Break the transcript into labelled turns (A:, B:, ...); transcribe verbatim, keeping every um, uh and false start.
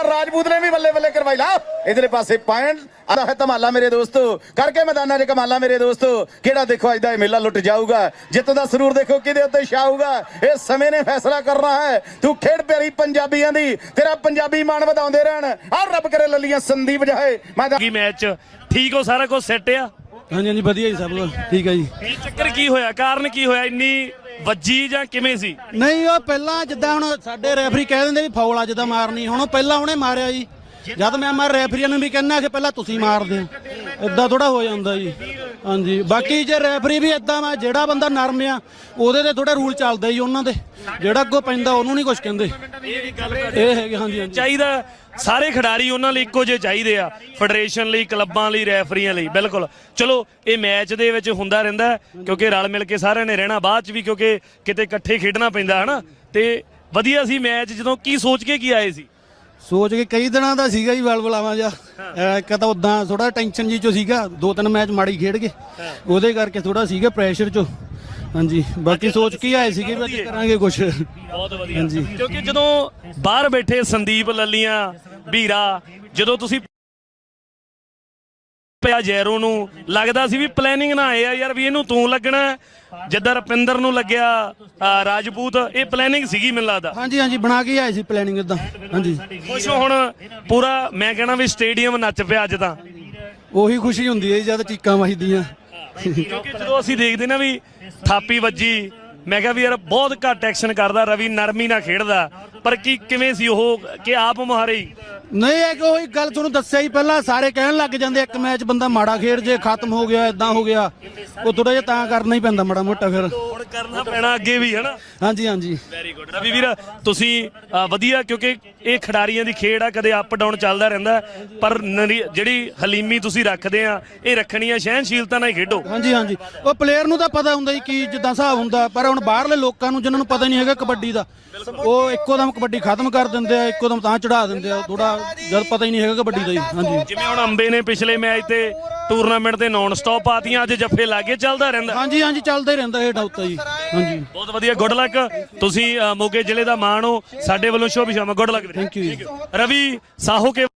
A: राजपूत ने भी बल्ले बल्ले करवाई ला इधर पासे पॉइंट ਆਦਾ ਹੈ ਧਮਾਲਾ ਮੇਰੇ ਦੋਸਤੋ ਕਰਕੇ ਮੈਦਾਨਾਂ 'ਚ ਕਮਾਲਾ ਮੇਰੇ ਦੋਸਤੋ ਕਿਹੜਾ ਦੇਖੋ ਅੱਜ ਦਾ ਇਹ ਮੇਲਾ ਲੁੱਟ ਜਾਊਗਾ ਜਿੱਤ ਦਾ ਸਰੂਰ ਦੇਖੋ ਕਿਹਦੇ ਉੱਤੇ ਛਾਊਗਾ ਇਹ ਸਮੇਂ ਨੇ ਫੈਸਲਾ ਕਰਨਾ ਹੈ ਤੂੰ ਖੇਡ ਪਿਆਰੀ ਪੰਜਾਬੀਆਂ ਦੀ ਤੇਰਾ ਪੰਜਾਬੀ ਮਾਣ ਵਧਾਉਂਦੇ ਰਹਿਣ ਆ ਰੱਬ ਕਰੇ ਲੱਲੀਆਂ ਸੰਦੀਪ ਜਾਏ
B: ਕੀ ਮੈਚ ਠੀਕ ਹੋ ਸਾਰਾ ਕੁਝ ਸੈੱਟ ਆ
C: ਹਾਂਜੀ ਹਾਂਜੀ ਵਧੀਆ ਜੀ ਸਭ ਕੁਝ ਠੀਕ ਹੈ ਜੀ
B: ਇਹ ਚੱਕਰ ਕੀ ਹੋਇਆ ਕਾਰਨ ਕੀ ਹੋਇਆ ਇੰਨੀ ਵੱਜੀ ਜਾਂ ਕਿਵੇਂ ਸੀ
C: ਨਹੀਂ ਉਹ ਪਹਿਲਾਂ ਜਿੱਦਾਂ ਹੁਣ ਸਾਡੇ ਰੈਫਰੀ ਕਹਿ ਦਿੰਦੇ ਵੀ ਫਾਉਲ ਅੱਜ ਦਾ ਮਾਰਨੀ ਹੁਣ ਉਹ ਪਹਿਲਾਂ ਉਹਨੇ ਮਾਰਿਆ ਜੀ ਜਦ ਮੈਂ ਮਾਰ ਰੈਫਰੀਆਂ ਨੂੰ ਵੀ ਕਹਿੰਦਾ ਕਿ ਪਹਿਲਾਂ ਤੁਸੀਂ ਮਾਰਦੇ ਇਦਾਂ ਥੋੜਾ ਹੋ ਜਾਂਦਾ ਜੀ ਹਾਂਜੀ ਬਾਕੀ ਜੇ ਰੈਫਰੀ ਵੀ ਇਦਾਂ ਵਾ ਜਿਹੜਾ ਬੰਦਾ ਨਰਮ ਆ ਉਹਦੇ ਤੇ ਥੋੜਾ ਰੂਲ ਚੱਲਦਾ ਜੀ ਉਹਨਾਂ ਦੇ ਜਿਹੜਾ ਅੱਗੋਂ ਪੈਂਦਾ ਉਹਨੂੰ ਨਹੀਂ ਕੁਝ ਕਹਿੰਦੇ ਇਹ ਹੈਗੇ ਹਾਂਜੀ
B: ਚਾਹੀਦਾ ਸਾਰੇ ਖਿਡਾਰੀ ਉਹਨਾਂ ਲਈ ਇੱਕੋ ਜਿਹੇ ਚਾਹੀਦੇ ਆ ਫੈਡਰੇਸ਼ਨ ਲਈ ਕਲੱਬਾਂ ਲਈ ਰੈਫਰੀਆਂ ਲਈ ਬਿਲਕੁਲ ਚਲੋ ਇਹ ਮੈਚ ਦੇ ਵਿੱਚ ਹੁੰਦਾ ਰਹਿੰਦਾ ਕਿਉਂਕਿ ਰਲ ਮਿਲ ਕੇ ਸਾਰਿਆਂ ਨੇ ਰਹਿਣਾ ਬਾਅਦ ਚ ਵੀ ਕਿਉਂਕਿ ਕਿਤੇ ਇਕੱਠੇ ਖੇਡਣਾ ਪੈਂਦਾ ਹਨਾ ਤੇ ਵਧੀਆ ਸੀ ਮੈਚ ਜਦੋਂ ਕੀ ਸੋਚ ਕੇ ਕੀ ਆਏ ਸੀ
C: ਸੋਚ ਕੇ ਕਈ ਦਿਨਾਂ ਦਾ ਸੀਗਾ ਜੀ ਬਲਬਲਾਵਾ ਜਿਹਾ ਇੱਕ ਤਾਂ ਉਦਾਂ ਥੋੜਾ ਟੈਨਸ਼ਨ ਜੀ ਚੋਂ ਸੀਗਾ ਦੋ ਤਿੰਨ ਮੈਚ ਮਾੜੀ ਖੇਡ ਕੇ ਉਹਦੇ ਕਰਕੇ ਥੋੜਾ ਸੀਗਾ ਪ੍ਰੈਸ਼ਰ ਚੋਂ ਹਾਂਜੀ ਬਾਕੀ ਸੋਚ ਕੇ ਆਏ ਸੀਗੇ ਵੀ ਅੱਜ ਕਰਾਂਗੇ ਕੁਛ
B: ਬਹੁਤ ਵਧੀਆ ਹਾਂਜੀ ਕਿਉਂਕਿ ਜਦੋਂ ਬਾਹਰ ਬੈਠੇ ਸੰਦੀਪ ਲੱਲੀਆਂ ਵੀਰਾ ਜਦੋਂ ਤੁਸੀਂ ਪਿਆ ਜੈਰੋ ਨੂੰ ਲੱਗਦਾ ਸੀ ਵੀ ਪਲੈਨਿੰਗ ਨਾ ਆਏ ਆ ਯਾਰ ਵੀ ਇਹਨੂੰ ਤੂੰ ਲੱਗਣਾ ਜਿੱਦਾਂ ਰਪਿੰਦਰ ਨੂੰ ਲੱਗਿਆ ਰਾਜਪੂਤ ਇਹ ਪਲੈਨਿੰਗ ਸੀਗੀ ਮੈਨੂੰ ਲੱਗਦਾ
C: ਹਾਂਜੀ ਹਾਂਜੀ ਬਣਾ ਕੇ ਆਏ ਸੀ ਪਲੈਨਿੰਗ ਇਦਾਂ ਹਾਂਜੀ
B: ਖੁਸ਼ ਹੁਣ ਪੂਰਾ ਮੈਂ ਕਹਿਣਾ ਵੀ ਸਟੇਡੀਅਮ ਨੱਚ ਪਿਆ ਅੱਜ ਤਾਂ
C: ਉਹੀ ਖੁਸ਼ੀ ਹੁੰਦੀ ਹੈ ਜਦ ਚੀਕਾਂ ਵੱਜਦੀਆਂ
B: ਕਿਉਂਕਿ ਜਦੋਂ ਅਸੀਂ ਦੇਖਦੇ ਨਾ ਵੀ ਥਾਪੀ ਵੱਜੀ ਮੈਂ ਕਿਹਾ ਵੀ ਯਾਰ ਬਹੁਤ ਘੱਟ ਐਕਸ਼ਨ ਕਰਦਾ ਰਵੀ ਨਰਮੀ ਨਾਲ ਖੇਡਦਾ ਪਰ ਕੀ ਕਿਵੇਂ ਸੀ ਉਹ ਕਿ ਆਪ ਮੁਹਾਰੇ
C: ਨਹੀਂ ਇਹ ਕਿ ਉਹੀ ਗੱਲ ਤੁਹਾਨੂੰ ਦੱਸਿਆ ਹੀ ਪਹਿਲਾਂ ਸਾਰੇ ਕਹਿਣ ਲੱਗ ਜਾਂਦੇ ਇੱਕ ਮੈਚ ਬੰਦਾ ਮਾੜਾ ਖੇਡ ਜੇ ਖਤਮ ਹੋ ਗਿਆ ਇਦਾਂ ਹੋ ਗਿਆ ਉਹ ਥੋੜਾ ਜਿਹਾ ਤਾਂ ਕਰਨਾ ਹੀ ਪੈਂਦਾ ਮਾੜਾ ਮੋਟਾ ਫਿਰ
B: ਹੁਣ ਕਰਨਾ ਪੈਣਾ ਅੱਗੇ ਵੀ ਹਨਾ
C: ਹਾਂਜੀ ਹਾਂਜੀ
B: ਵੈਰੀ ਗੁੱਡ ਰਵੀ ਵੀਰ ਤੁਸੀਂ ਵਧੀਆ ਕਿਉਂਕਿ ਇਹ ਖਿਡਾਰੀਆਂ ਦੀ ਖੇਡ ਆ ਕਦੇ ਅਪ ਡਾਊਨ ਚੱਲਦਾ ਰਹਿੰਦਾ ਪਰ ਜਿਹੜੀ ਹਲੀਮੀ ਤੁਸੀਂ ਰੱਖਦੇ ਆ ਇਹ ਰੱਖਣੀ ਆ ਸਹਿਣਸ਼ੀਲਤਾ ਨਾਲ ਹੀ ਖੇਡੋ
C: ਹਾਂਜੀ ਹਾਂਜੀ ਉਹ ਪਲੇਅਰ ਨੂੰ ਤਾਂ ਪਤਾ ਹੁੰਦਾ ਜੀ ਕੀ ਜਿੱਦਾਂ ਹਿਸਾਬ ਹੁੰਦਾ ਪਰ ਹੁਣ ਬਾਹਰਲੇ ਲੋਕਾਂ ਨੂੰ ਜਿਨ੍ਹਾਂ ਨੂੰ ਪਤਾ ਨਹੀਂ ਹੈਗਾ ਕਬੱਡੀ ਦਾ ਉਹ ਇੱਕੋ ਦਮ ਕਬੱਡੀ ਖਤਮ ਕਰ ਦਿੰਦੇ ਆ ਇੱਕੋ ਦਮ ਤਾਂ ਚੜਾ ਦਿੰਦੇ ਆ ਥੋੜਾ ਜਦ ਪਤਾ ਹੀ ਨਹੀਂ ਹੈਗਾ ਕਬੱਡੀ ਦਾ ਜੀ ਹਾਂਜੀ
B: ਜਿਵੇਂ ਹੁਣ ਅੰਬੇ ਨੇ ਪਿਛਲੇ ਮੈਚ ਤੇ ਟੂਰਨਾਮੈਂਟ ਤੇ ਨਾਨ ਸਟਾਪ ਪਾਤੀਆਂ ਅੱਜ ਜੱਫੇ ਲਾਗੇ ਚੱਲਦਾ ਰਹਿੰਦਾ
C: ਹਾਂਜੀ ਹਾਂਜੀ ਚੱਲਦਾ ਹੀ ਰਹਿੰਦਾ ਇਹ ਡਾਊਟ ਜੀ ਹਾਂਜੀ
B: ਬਹੁਤ ਵਧੀਆ ਗੁੱਡ ਲੱਕ ਤੁਸੀਂ ਮੋਗੇ ਜ਼ਿਲ੍ਹੇ ਦਾ ਮਾਣ ਹੋ ਸਾਡੇ ਵੱਲੋਂ ਸ਼ੁਭ ਸ਼ਾਮ good luck
C: thank you
B: Ravi Saho K